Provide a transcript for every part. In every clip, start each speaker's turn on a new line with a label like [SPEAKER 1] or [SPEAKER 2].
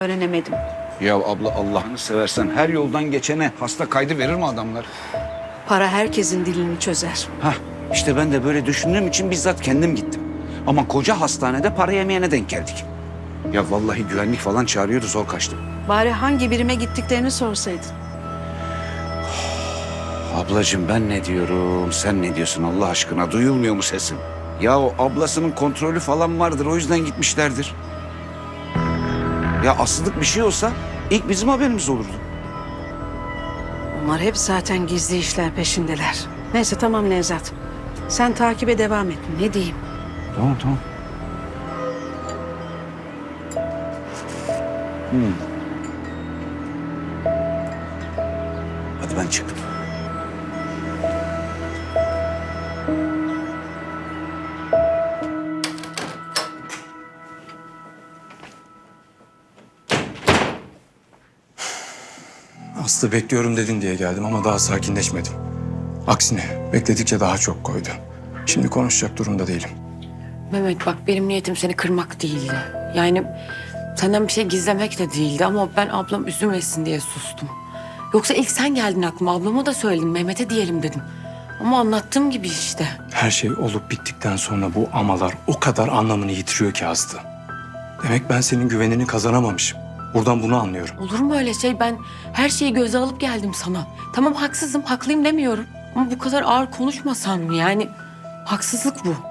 [SPEAKER 1] Öğrenemedim.
[SPEAKER 2] Ya abla Allah'ını seversen her yoldan geçene hasta kaydı verir mi adamlar?
[SPEAKER 1] Para herkesin dilini çözer.
[SPEAKER 2] Hah işte ben de böyle düşündüğüm için bizzat kendim gittim. Ama koca hastanede para yemeyene denk geldik. Ya vallahi güvenlik falan çağırıyordu, zor kaçtım.
[SPEAKER 1] Bari hangi birime gittiklerini sorsaydın.
[SPEAKER 2] Ablacığım ben ne diyorum, sen ne diyorsun Allah aşkına, duyulmuyor mu sesim? Ya o ablasının kontrolü falan vardır, o yüzden gitmişlerdir. Ya asıllık bir şey olsa ilk bizim haberimiz olurdu.
[SPEAKER 1] Onlar hep zaten gizli işler peşindeler. Neyse tamam Nevzat. Sen takibe devam et. Ne diyeyim?
[SPEAKER 2] Tamam tamam. Hadi ben çıktım.
[SPEAKER 3] Aslı bekliyorum dedin diye geldim ama daha sakinleşmedim. Aksine bekledikçe daha çok koydu. Şimdi konuşacak durumda değilim.
[SPEAKER 4] Mehmet bak benim niyetim seni kırmak değildi. Yani senden bir şey gizlemek de değildi ama ben ablam üzülmesin diye sustum. Yoksa ilk sen geldin aklıma, ablama da söyledim, Mehmet'e diyelim dedim. Ama anlattığım gibi işte.
[SPEAKER 3] Her şey olup bittikten sonra bu amalar o kadar anlamını yitiriyor ki Aslı. Demek ben senin güvenini kazanamamışım. Buradan bunu anlıyorum.
[SPEAKER 4] Olur mu öyle şey? Ben her şeyi göze alıp geldim sana. Tamam haksızım, haklıyım demiyorum. Ama bu kadar ağır konuşmasan mı? Yani haksızlık bu.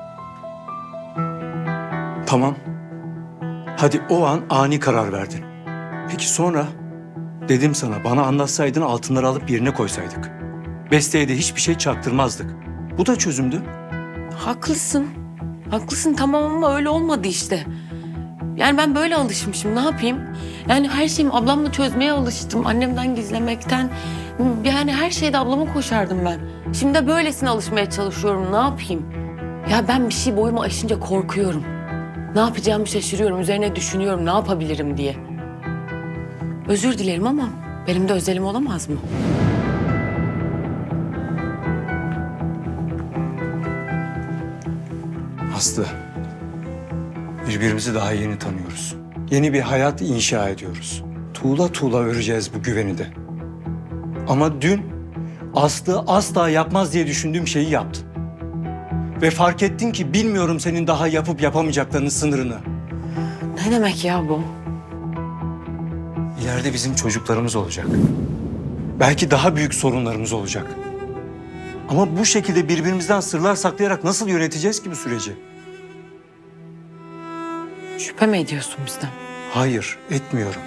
[SPEAKER 3] Tamam. Hadi o an ani karar verdin. Peki sonra? Dedim sana bana anlatsaydın altınları alıp yerine koysaydık. Beste'ye de hiçbir şey çaktırmazdık. Bu da çözümdü.
[SPEAKER 4] Haklısın. Haklısın tamam ama öyle olmadı işte. Yani ben böyle alışmışım ne yapayım? Yani her şeyimi ablamla çözmeye alıştım. Annemden gizlemekten. Yani her şeyde ablama koşardım ben. Şimdi de böylesine alışmaya çalışıyorum ne yapayım? Ya ben bir şey boyumu aşınca korkuyorum. Ne yapacağımı şaşırıyorum. Üzerine düşünüyorum ne yapabilirim diye. Özür dilerim ama benim de özelim olamaz mı?
[SPEAKER 3] Aslı, birbirimizi daha yeni tanıyoruz. Yeni bir hayat inşa ediyoruz. Tuğla tuğla öreceğiz bu güveni de. Ama dün Aslı asla yapmaz diye düşündüğüm şeyi yaptın. Ve fark ettin ki bilmiyorum senin daha yapıp yapamayacaklarının sınırını.
[SPEAKER 4] Ne demek ya bu?
[SPEAKER 3] İleride bizim çocuklarımız olacak. Belki daha büyük sorunlarımız olacak. Ama bu şekilde birbirimizden sırlar saklayarak nasıl yöneteceğiz ki bu süreci?
[SPEAKER 4] Şüphe mi ediyorsun bizden?
[SPEAKER 3] Hayır, etmiyorum.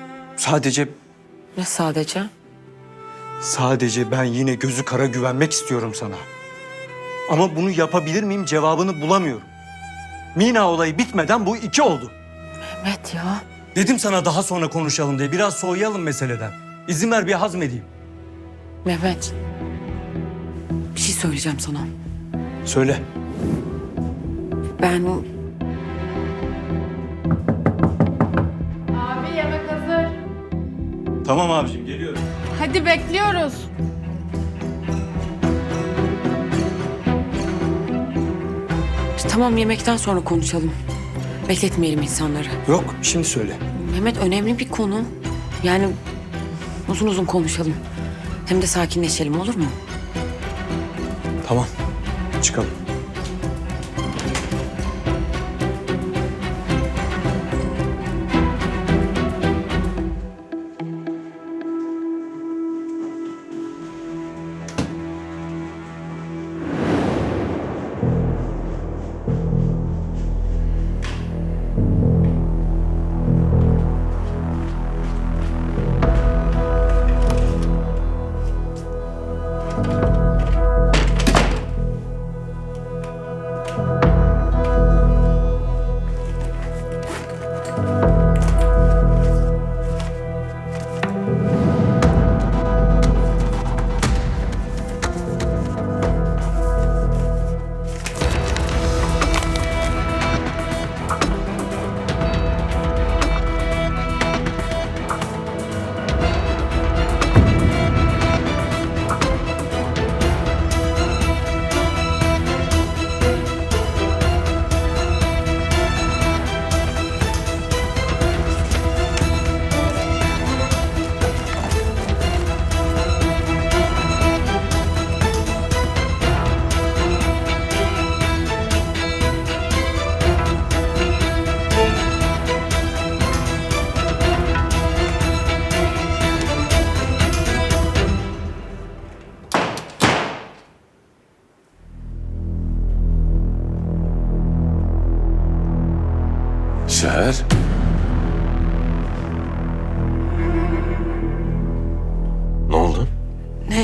[SPEAKER 4] Ne sadece?
[SPEAKER 3] Sadece ben yine gözü kara güvenmek istiyorum sana. Ama bunu yapabilir miyim cevabını bulamıyorum. Mina olayı bitmeden bu 2 oldu.
[SPEAKER 4] Mehmet ya.
[SPEAKER 3] Dedim sana daha sonra konuşalım diye. Biraz soğuyalım meseleden. İzin ver bir hazmedeyim.
[SPEAKER 4] Mehmet. Bir şey söyleyeceğim sana.
[SPEAKER 3] Söyle.
[SPEAKER 4] Ben
[SPEAKER 5] Abi yemek hazır.
[SPEAKER 3] Tamam abicim geliyorum.
[SPEAKER 5] Hadi bekliyoruz.
[SPEAKER 4] tamam yemekten sonra konuşalım. Bekletmeyelim insanları.
[SPEAKER 3] Yok şimdi söyle.
[SPEAKER 4] Mehmet önemli bir konu. Yani uzun uzun konuşalım. Hem de sakinleşelim olur mu?
[SPEAKER 3] Tamam çıkalım.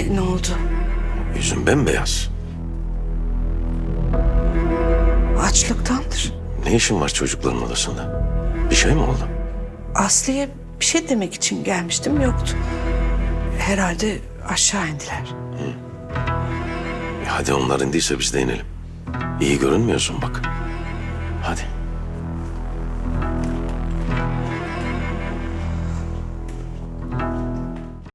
[SPEAKER 1] Ne oldu?
[SPEAKER 6] Yüzün bembeyaz.
[SPEAKER 1] Açlıktandır.
[SPEAKER 6] Ne işin var çocukların odasında? Bir şey mi oldu?
[SPEAKER 1] Aslı'ya bir şey demek için gelmiştim, yoktu. Herhalde aşağı indiler.
[SPEAKER 6] Hadi onlar indiyse biz de inelim. İyi görünmüyorsun bak. Hadi.